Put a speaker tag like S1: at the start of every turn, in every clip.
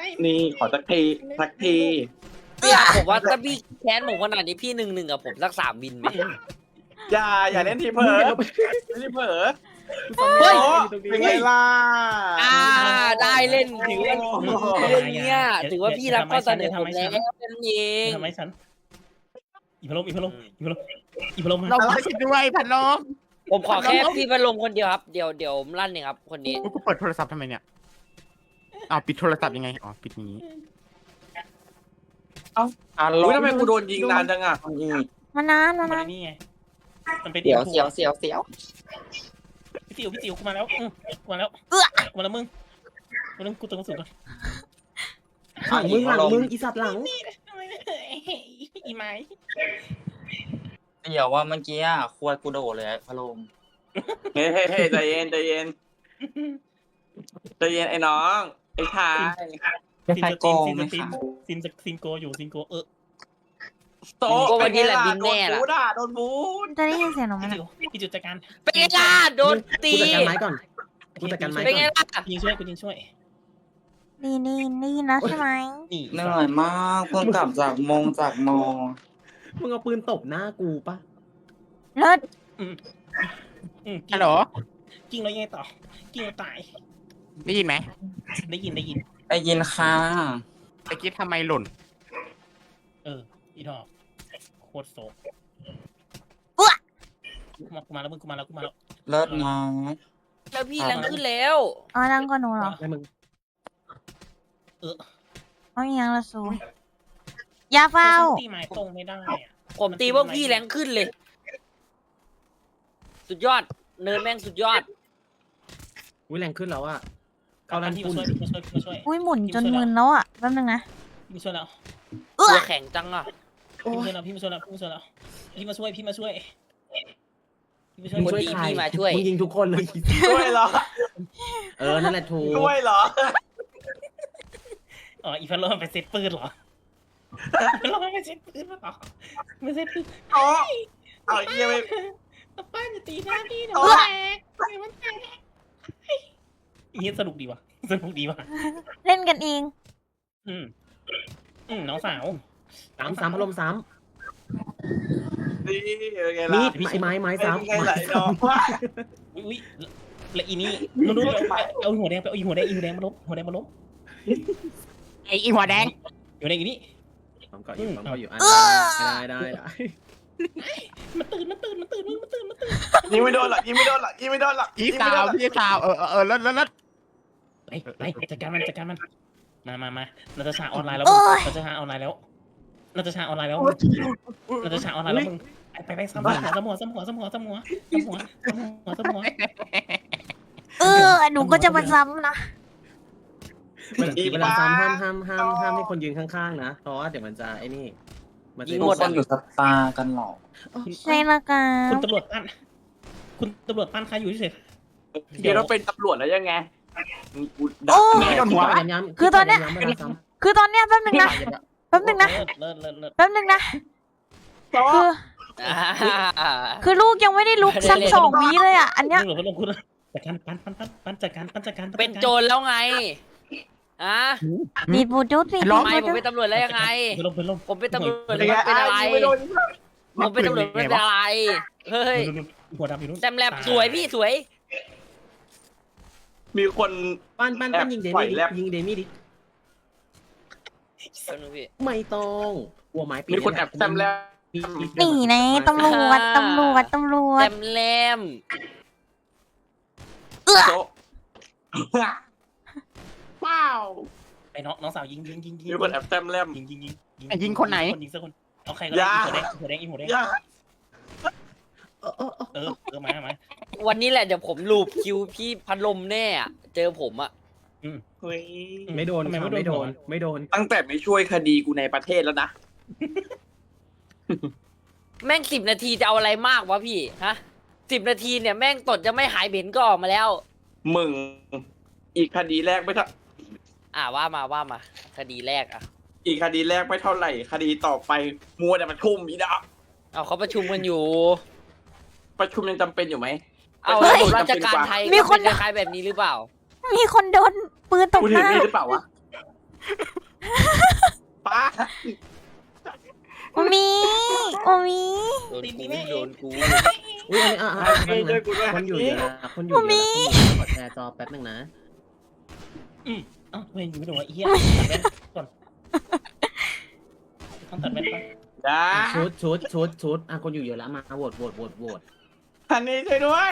S1: นี่ขอสักทีสักที
S2: พี่ผมว่าถ้าพี่แค้นผมขนาดนี้พี่1-1กับผมสัก3 วินไหม
S1: อย่าเล่นทีเผลอเล่นทีเผลอ
S3: เฮ้ย
S1: โอ้เป็นไงล่ะ
S2: ได้เล่นถือว่าเรื่องเนี้ยถือว่าพี่รับข้อเสนอผมแล้วเป็นเอง
S3: ทำไมฉันอีพะโลมมา
S4: เราไม่ใช่ด้วยพันลม
S2: ผมขอแค่พี่พัดลมคนเดียวครับเดี๋ยวลั่นเองครับคนนี้
S4: กูเปิดโทรศัพท์ทำไมเนี่ยปิดโทรศัพท์ยังไงปิดอย่างนี้
S1: อุ้ยทำไมกูโดนยิงนานจังอ่ะ
S5: มานาน
S3: นี่ไงมันเป็น
S2: เสียว
S3: พี่ติ๋วกูมาแล้วกูมาแล้วมึงกูตึงสุดก่อน
S6: มึงอีสัตว์หลัง
S3: อีไม้
S7: เดี๋ยวว่าเมื่อกี้อ่ะควรกูโดดเลยพะโลม
S1: เฮ้ยใจเย็นไอ้น้องไอ้ชาย
S7: ใครโกงไหมคะ
S3: ซินโกอยู่ซินโก
S1: โตโดนบูน
S5: จะได้ยินเสียงหนูไหม
S3: พี่จุดจัดการ
S2: เป็นไงล่ะโดนตี
S6: กูจัดการไม้ก่อนกูจัดการไม้
S2: เป็น
S6: ก่
S2: ไง
S6: อน
S2: ล่ะ
S3: กูยิงช่วย
S5: นี่นะใช่ไหม
S3: นี่
S7: เหนื่อยมากเพิ่งกลับจากมง
S6: มึงเอาปืนตบหน้ากูปะ
S5: เลิศ
S4: ฮัลโหล
S3: กิ้งแล้วยังไงต่อกิ้งแล้วตาย
S4: ได้ยินไหม
S3: ได้ยิน
S7: ได้ยินค่ะ
S4: ตะกี้ทำไมหล่น
S3: อีทอกโคตรโศกกูมาแล้วมึงกูมาแล้ว
S7: เลิศนะ
S2: แล้วพี่แรงขึ้นแล้ว
S5: อ๋อดังกว่าหนูเหรอ
S6: ให้มึง
S5: เอาอย่างละสูอย่าเฝ้า
S3: ตีไม้ตรงไม่ได้อะ
S2: ผมตีพวกพี่แรงขึ้นเลย สุดยอดเนินแม่งสุดยอด
S6: อุ้ยแรงขึ้นแล้วอะ
S3: เอาลันที่มาช่วย
S5: อุ้ยหมุนจนมึนแล้วอ่ะแป๊บนึงนะ
S3: พี่มาช่วยแล้ว
S2: ตัวแข็งจังอ่ะ
S3: พี่มาช่วย
S5: มึงช่วยใคร
S2: พี่มาช่วย
S6: มึงยิงทุกคนเลย
S1: ด้วยเหรอ
S6: นั่นแหละถูก
S1: ด้วยเหรอ
S3: อ๋ออีพันโลมันไปเซตปืนเหรอพันโลมันไปเซตปืนเหรอไม่เซตปืน
S1: เอาเยี่ยม
S3: ป้าจะตีหน้าพี่หนูมันแตกอีสนุกดีว่ะ
S5: เล่นกันเอง
S3: น้องสาว
S6: สามพัดลมสาม
S1: นี่ไง
S6: มี
S1: ล่ะ
S6: ดไม้สาม
S1: ไงไหลดอกว่า
S3: อุ้ยและอีนี่นู้นเอาหัวแดงไปเอาหัวแดงมาลบ
S4: ไออีหัวแดง
S3: หัวแดงอยู่นี่
S6: ผมก็อยู่ได้
S3: มันตื่น
S1: ยิงไม่โดนหรอก
S4: พี่สาวแล้ว
S3: ไปจัดการมันมาเราจะฉากออนไลน์แล้วเราจะฉากออนไลน์แล้วมึงไปซ้ำหัว
S5: หนูก็จะมาซ้ำนะ
S6: เวลาซ้ำห้ามให้คนยืนข้างๆนะเพราะว่าเดี๋ยวมันจะไอ้นี่มันจะ
S7: ทุกคนอยู่สตาร์กันหรอ
S5: ใช่ละกัน
S3: คุณตำรวจปั้นใครอยู่ที่เสร็จ
S1: เดี๋ยวเราเป็นตำรวจแล้วยังไงกู
S5: โอ้
S4: โดนหัว
S5: คือตอนเนี้ยแป๊บนึงนะ
S3: เลิศ
S5: คือลูกยังไม่ได้ลุกสัก2 วิเลยอ่ะอันเนี้ย
S3: มึงเหลือพัดลมคุณจัดการปั้นจัดการ
S2: เป็นโจรแล้วไงอ่ะ
S5: ดีดบูดูสิ
S2: ทำไมผมเป็นตำรวจแล้วยังไง
S3: พัดลม
S2: ผมเป็นตำรวจแล้วเป็นอะไรผมเป็นตำรวจไม่เป็นอะไรเฮ้ย
S3: หัวดำอยู่นู่น
S2: แซมแลบสวยพี่สวย
S1: มีคน
S6: ปั้นยิงเดมี่ดิ ไม่ต้องหัวไม้ปี
S1: มีคนแอบแซมแล้ว
S5: นี่นะตำรวจ
S2: แซมแลม
S1: โจ๊ะว้าว
S3: ไอ้น้องสาวยิง
S1: มีคนแอบแซมแล้ว
S3: ยิงคนไหนยิงสักคนเอาใครก็ได้หัวแดงมา
S2: วันนี้แหละเดี๋ยวผมลูบคิวพี่พัดลมแน่อะเจอผมอะ
S6: ไม่โดน
S1: ตั้งแต่ไม่ช่วยคดีกูในประเทศแล้วนะ
S2: แม่ง10 นาทีจะเอาอะไรมากวะพี่ฮะ10 นาทีเนี่ยแม่งตดจะไม่หายเบ็นก็ออกมาแล้ว
S1: มึงอีกคดีแรกไม่เท่า
S2: ว่ามาคดีแรกอะ
S1: อีกคดีแรกไม่เท่าไหร่ คดีต่อไปมัวแต่ประชุมอีดะ
S2: เอาเขาประชุมกันอยู่
S1: ประชุมยังจำเป็นอยู่ไหม
S2: เอาราชการไทยมีคนคล้ายๆแบบนี้หรือเปล่า
S5: มีคนโดนปืนตก
S1: กู
S5: ห
S1: ถือ
S5: น้า
S1: มีดหรือเปล่าวะ
S2: โดน
S3: ตีน
S2: กู
S3: นี่แน่
S2: โดนกู
S6: อุ้ยอันนี้คนอยู่เยอะนะคนอยู่เยอะนะขอแชร์จอแป๊บนึงนะ
S3: เอ้าเว้ยไม่โดนไอ้เหี้ยตัดแว่นก่อนต้องตัดแว่นก่อน
S1: จ้า
S6: ชุดคนอยู่เยอะแล้วมาโหวต
S1: อันนี้ช่วยด้วย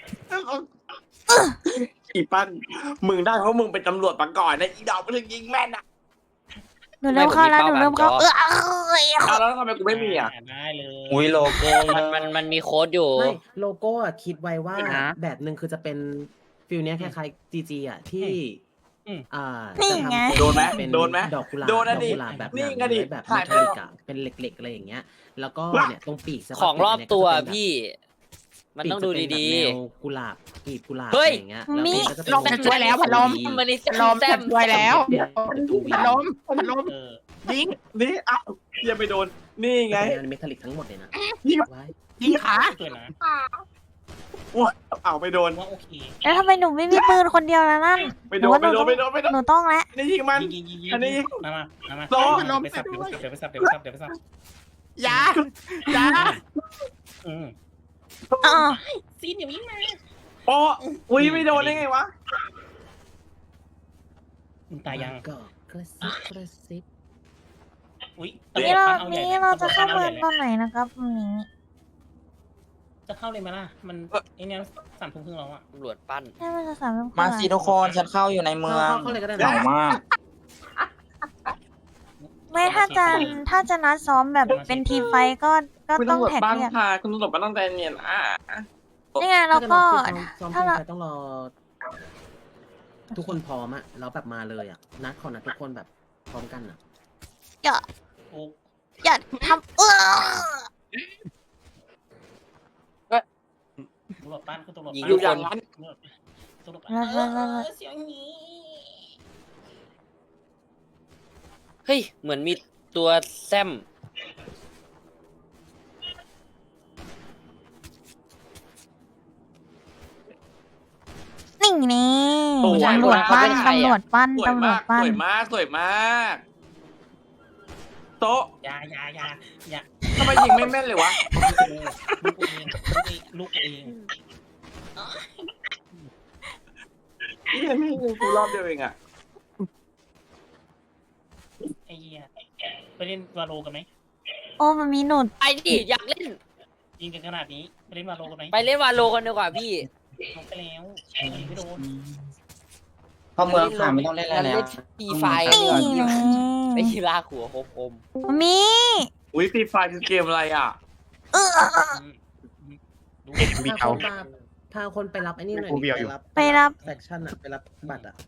S1: อีปั้นมึงได้เพราะมึงเป็นตำรวจมาก่อนนะอีดอกมันถึงยิงแม่นอ่ะ
S5: หนูเริ่มเข้าแล้วหนูเริ่มเข้า
S1: แล้วทำไมกูไม่มีอ่ะ
S3: ได้เลย
S7: อุ้ยโลโก้
S2: มันมีโค้ดอยู่
S6: ไม่โลโก้อะคิดไว้ว่า
S2: นะ
S6: แบบหนึ่งคือจะเป็นฟิลเนี้ยคล้ายๆ GG อ่ะที่
S5: นี่
S6: จะ
S5: ไง
S6: ทำ
S1: โดนไหม
S6: เป็น
S1: โดนไหม
S6: ดอกกุหลาบ
S1: โดนนะดิ
S6: ดอกกุหลาบแบบ
S1: นี่
S6: หนัง
S1: ไงดิ
S6: แบบ
S1: ถ่าย
S6: เม
S1: ไป
S6: ทัลลิกอะเป็นเหล็กๆอะไรอย่างเงี้ย แล้วก็เนี่ยตรงปีกสะพาน
S2: ของรอบตัว
S6: เนี่ยก็จะเป็นแบบ
S2: พี่ มันต้องดูดี
S6: ปีกจะเป็นแบบแนวกุหลาบกลีบกุหลาบ
S2: เฮ้
S6: อะ
S2: ย
S6: ไรอย่างเงี้ย
S5: มี
S6: แล้วมันก็จะเป็น
S5: ลงช่วยแล้วพัดลม
S2: ๆมันนี่
S5: ลม
S2: แต้ม
S5: ช่วยแล้ว
S6: เป็นตัววี
S5: พัดลม
S3: เออ
S1: ยิงนี่อ้าวยังไม่โดนนี่ไง
S6: เป็นเมทัลลิกทั้งหมดเลยนะ
S1: ยิง
S6: ไว้
S5: ยิงขา
S3: สวยนะ
S1: อ้าวไม่โดน
S3: ว่าโอเค
S5: แล้วทำไมหนูไม่มีปืนคนเดียวแล้วนั่น
S1: ไม่โดนไม่โดนไม่โดนไม่โดน
S5: หนูต้องแล้ว
S1: นี่ยิงมัน
S3: ยิง
S1: อันนี้
S3: มา
S1: โซ่
S3: ไปสับเดี๋ยวไปสับ
S5: อย่า
S3: อืม
S5: อ๋อ
S3: ซีนอย่าวิ่งมา
S1: โอ้อุ้ยไม่โดนได้ไงวะ
S3: มึงตายยัง
S6: ก็กระซิบ
S3: อุ้ย
S5: นี่เราจะเข้าเมืองตอนไหนนะครับวันนี้
S3: จะเข้าเลยไหมล่ะมันไอเนี้ย3 ทุ่มครึ่งแล้วอ่ะ
S2: ตำรวจปั้น
S5: ใช่มันจะสาม
S7: มาสิทุกคนฉันเข้าอยู่ในเมือง
S6: เข้าเลยก็ได้
S7: เหงา
S6: นะ
S7: มาก
S5: ไม่ถ้าจะนัดซ้อมแบบเป็นทีมไฟท์ก็
S1: คุณ
S5: ต้อง
S1: ตำรวจ
S5: แท็ก
S1: บ้าน
S5: เรียก
S1: พาคุณตำรวจบ้านต้องใจเย็นอ่ะ
S5: นี่ไงแล้วก็
S6: ซ้อม
S5: ถ้าเรา
S6: ไปต้องรอ ทุกคนพร้อมอะแล้วแบบมาเลยอะนัดขอนัดทุกคนแบบพร้อมกันอะ
S3: โอ้
S5: อย่าทำ
S3: ตำรวจบ้านคุณตำรวจ
S2: ยิง
S1: อยู่อย่างนั้น
S3: ตำรวจ
S2: เฮ้ย เหมือนมีตัวแซม
S5: นี่นี่
S1: โอ้ย
S5: ตำรวจปั้นตำรวจปั้น
S1: สวย
S5: ตำรว
S1: มา
S5: จ
S1: ก
S5: ปั้
S1: ส
S5: น
S1: วยมากสวยมากโต๊ะ
S3: ยา
S1: ทำไมยิงไม่แม่นเลยวะ
S3: ลูกเอง
S1: นี่ไม่ยิงกูรอบเดียวเองอ่ะ
S3: ไอ้เหี้ยไปเล่นวาโลกันไหม
S5: โอ้มันมีหนุด
S2: ไปดิอยากเล่น
S3: ยิงกันขนาดนี้ไปเล่นวาโลกันไหม
S2: ไปเล่นวาโลกันดีกว่าพี่
S3: ลงไปแล้วไม่โดน
S7: เข้าเมืองค่ะไม่ต้องเล่นอะไรแล้ว
S2: ทีไฟ
S5: นี่
S2: ดีกว่า
S5: ไง
S2: ไอ้ยีราหัวคม
S5: มี
S1: อุ้ยฟรีไฟคือเกมอะไรอ่ะ
S4: มีเอา
S6: พาคนไปรับไอ้นี่หน่อย
S4: กูเบียวอยู่
S5: ไปรับ
S6: แฟคชั่นอะไปรับบัตรอะ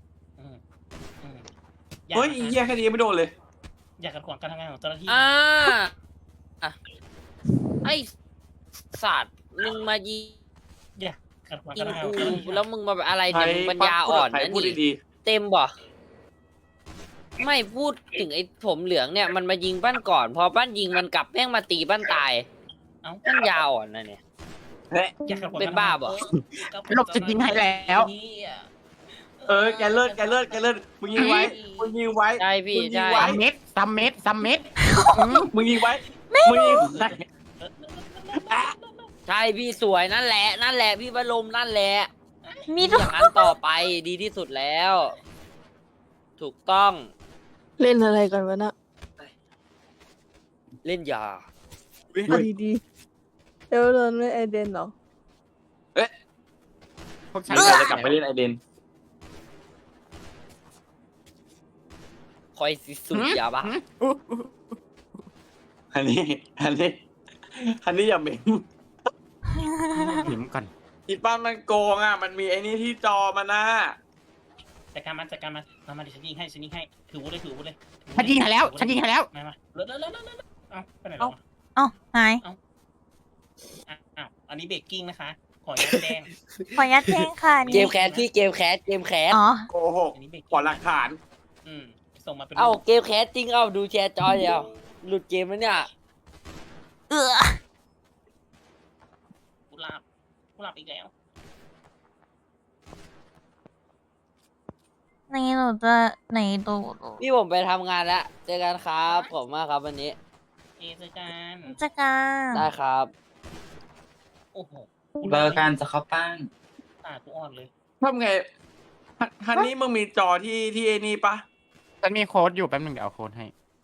S1: เฮ้ยอีเหี้ยแค่นี้ไม่โดนเลย
S3: อยากขัดขวางการทำงานของเจ้าหน้าที่
S2: อ่ะไอ้สัตว์มึงมายิง
S3: อยากขัดขวาง
S2: ยิ
S3: การ
S2: ง
S3: ทำงานข
S2: กู
S3: องเจ้าหน้าที่
S2: แล้วมึงมาแบบอะไร
S1: ใคร
S2: เนี่ยมึงปัญญาอ่อน
S1: ใคร
S2: นะ
S1: พูด
S2: นี่
S1: ดี
S2: เต็มบ่ไม่พูดถึงไอ้ผมเหลืองเนี่ยมันมายิงบ้านก่อน พอบ้านยิงมันกลับแม่งมาตีบ้านตาย
S3: เอ้า
S2: ปัญญาอ่อนนะเนี่ย
S1: ๆเฮ้ย
S3: อยากขัดขวาง
S2: เป็นบ้าบ่
S5: หลบจะยิงให้แล้ว
S1: แกเลิศมึงยิงไว้มึงยิงไว้
S2: ใช่พี่
S1: มึงยิง
S2: ใช่
S1: ไว้
S5: ซัมเม็ด
S1: มึงยิงไว้มึงยิงไว้
S2: ใช่พี่สวยนั่นแหละพี่บรมนั่นแหละ
S5: มี
S2: อ
S5: ทุก
S2: ย่างนั้นต่อไปดีที่สุดแล้ว ถูกต้อง
S8: เล่นอะไรกันวะนะ
S2: เล่นยา
S8: เอาดีๆเดี๋ยวโดนไม่ไอเดนเหรอ
S4: พวกฉั
S1: ฉั
S4: น
S1: นจะกลับไปเล่นไอเดน
S2: คอยสิสุดยาบ้า
S1: อันนี้อย่าเหม็น
S4: หิมก่อน
S1: อีป้ามันโกงอ่ะมันมีไอ้นี่ที่จอมันนะ
S3: จัดการมันมาดิฉันยิงให้ถือวุ้เลย
S5: ฉันยิงให้แล้ว
S3: มาเร็วเอ้าไปไหนแล้ว
S5: อ๋อหาย
S3: อ้าวอันนี้เบรกกิ้งนะคะ ขอยัดแดง
S5: ขอยัดแทงค่ะ
S2: เก
S5: นี่
S2: มแคสพี่เกมแคส
S5: อ๋อ
S1: โกหก
S3: อันนี้เบรก
S1: ขอหลักฐาน
S3: ส่งมาเป็น
S2: เอ้าเกมแคสจริงดูแชร์จอเดียวหลุดเกมแล้วเนี่ย
S3: กุหลาบอีกแล้ว
S5: นี่หนูจะไหนดู
S2: พี่ผมไปทำงานแล้วเจอกันครับผมมากครับวันนี้
S3: เจอกัน
S5: จัดการ
S2: ได้ครับ
S3: โอ้โห
S7: เบอร์การจะเข้าป้าน
S3: กูอ่อนเลย
S1: ทำไงฮันนี่มึงมีจอที่ไอ้นี่ปะ
S4: ฉันมีโค้ดอยู่แป๊บหนึงเดี๋ยวเอาโค้ดให้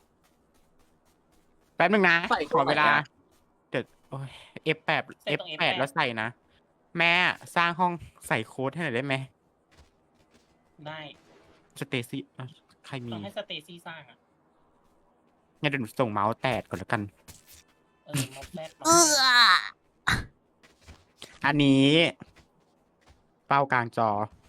S4: แป๊บหนึงนะ
S1: ใส่
S4: ขอเวลา
S1: ไหนอะ
S4: เดี๋ยวโอ้ย F8 F8 แล้วใส่นะ แม่สร้างห้องใส่โค้ดให้หน่อยได้ไหม
S3: ได้
S4: สเตซี่ใครมี
S3: ต้องให้สเตซี่สร้างอ่ะ
S4: งั้นเดี๋ยวหนูส่งเมาส์แตดก่อนแล้วกัน
S3: มอบแรก
S5: เออ
S4: อันนี้ เป้ากลางจอ